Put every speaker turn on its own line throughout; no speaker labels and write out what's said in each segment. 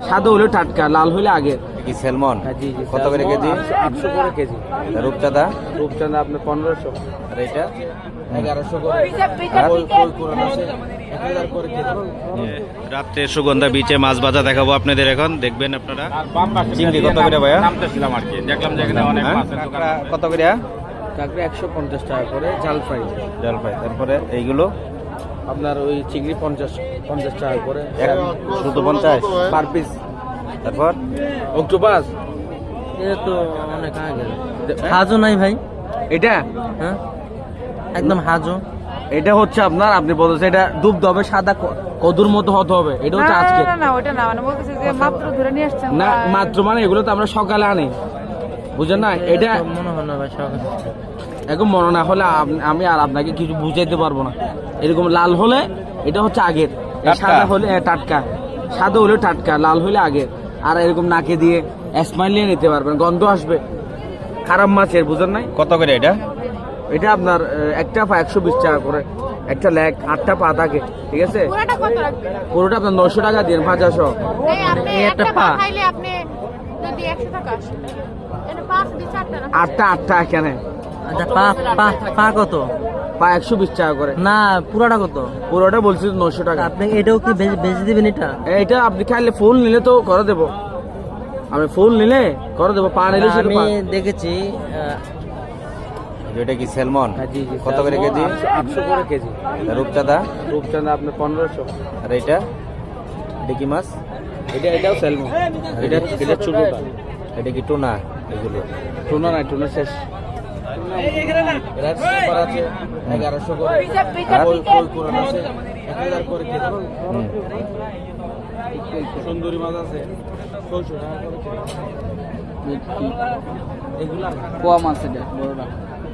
সাদা হলে টাটকা, লাল হলে আগে।
কি স্যালমন?
জি জি।
কত করে কেজি?
800 করে কেজি।
রূপচাঁদা?
রূপচাঁদা আপনার 1500।
আর এটা
1100 করে।
রাত্রে সুগন্ধা বিচে মাছ ভাজা দেখাবো আপনাদের, এখন দেখবেন আপনারা। চিংড়ি কত করে ভাইয়া?
নামতেছিলাম আর কি, দেখলাম যে এখানে অনেক মাছ আছে।
কত করে?
কাঁকড়া 150 টাকা করে, জাল ফ্রাই।
জল পাই। তারপরে এইগুলো
আপনার ওই চিংড়ি 50 টাকা করে
শুধু 50
পার পিস।
তারপর
অক্টোপাস
এটা তো অনেক আগে। হাজো নাই ভাই?
এটা
হ্যাঁ একদম হাজো।
এটা হচ্ছে আপনার, আপনি বলতেছেন এটা দুধ হবে, সাদা কদুর মতো হতে হবে। এটা হচ্ছে আজকে
না ওটা না, মানে বলতেছে যে মাত্র ধরে নিয়ে আসছেন
না, মাত্র মানে এগুলো তো আমরা সকালে আনি, বুঝেন না? এটা
মনে হয় না ভাই সকালে।
এখন মনে না হলে আমি আর আপনাকে কিছু বুঝাইতে পারবো না। এরকম লাল হলে এটা হচ্ছে আগের, সাদা হলে টাটকা, সাদা হলে টাটকা, লাল হলে আগের। আর এরকম নাকে দিয়ে স্মাইল নিয়ে নিতে পারবেন, গন্ধ আসবে। খারাপ মাছের, বুঝেন নাই?
কত করে এটা?
এটা আপনার একটা পা 120 টাকা করে, একটা লেগ 8টা পা থাকে, ঠিক আছে?
পুরোটা কত রাখবেন?
পুরোটা আপনার 900 টাকা দিন, 500।
এই আপনি
এই একটা
একটা
পা।
পা খাইলে আপনি যদি 100 টাকা আসে, এটা 5 দি 4টা না?
8টা এখানে
আচ্ছা পা পা পা কত?
পা 120 টাকা করে।
না পুরাটা কত?
পুরোটা বলছি 900 টাকা।
আপনি এটাও কি বেচে দিবেন এটা?
এটা আপনি খাইলে ফুল নিলে তো করে দেবো, আমি ফুল নিলে করে দেবো, পা নিলে শুধু
আমি
পা।
দেখেছি
এটা কি স্যালমন?
জি জি।
কত করে কেজি?
800 করে কেজি।
রূপচাঁদা?
রূপচাঁদা আপনার 1500।
আর এটা? এটা কি মাছ?
এটাও স্যালমন। এটা ছোটটা।
এটা কি টুনা? এগুলো
টুনা নাই, টুনা শেষ। এরা সুপার আছে 1100 করে। কই কোরান আছে 1000 করে কেজি। সুন্দরী মাছ আছে 600 টাকা করে কেজি। এগুলা কোয়া মাছ, এটা বড়টা।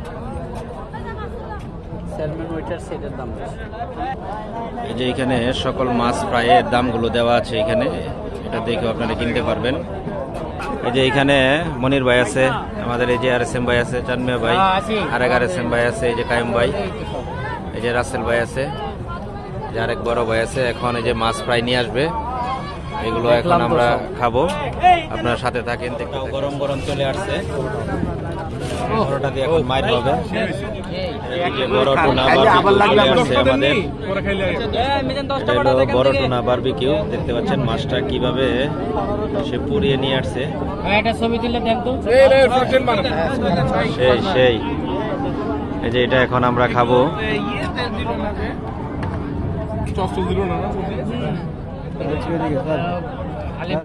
স্যালমন ওইটার সেটের দাম বেশি।
এই যে এখানে সকল মাছ ফ্রাইয়ের দামগুলো দেওয়া আছে এখানে, এটা দেখে আপনারা কিনতে পারবেন। এই যে এখানে মনির ভাই আছে, আমাদের এই যে RSM ভাই আছে, চানমিয়া ভাই, আরেক RSM ভাই আছে, এই যে কায়েম ভাই, এই যে রাসেল ভাই আছে, যে আরেক বড় ভাই আছে। এখন এই যে মাছ ফ্রাই নিয়ে আসবে, এগুলো এখন আমরা খাবো, আপনার সাথে থাকেন। গরম গরম চলে আসছে, বড়টা দিয়ে এখন মাইর হবে। এই যে বড় টুনা বারবিকিউ চলে আসছে আমাদের, এটা হলো বড় টুনা বারবিকিউ। দেখতে পাচ্ছেন মাছটা কিভাবে সে পুড়িয়ে নিয়ে আসছে, সেই এই যে এটা এখন আমরা খাবো।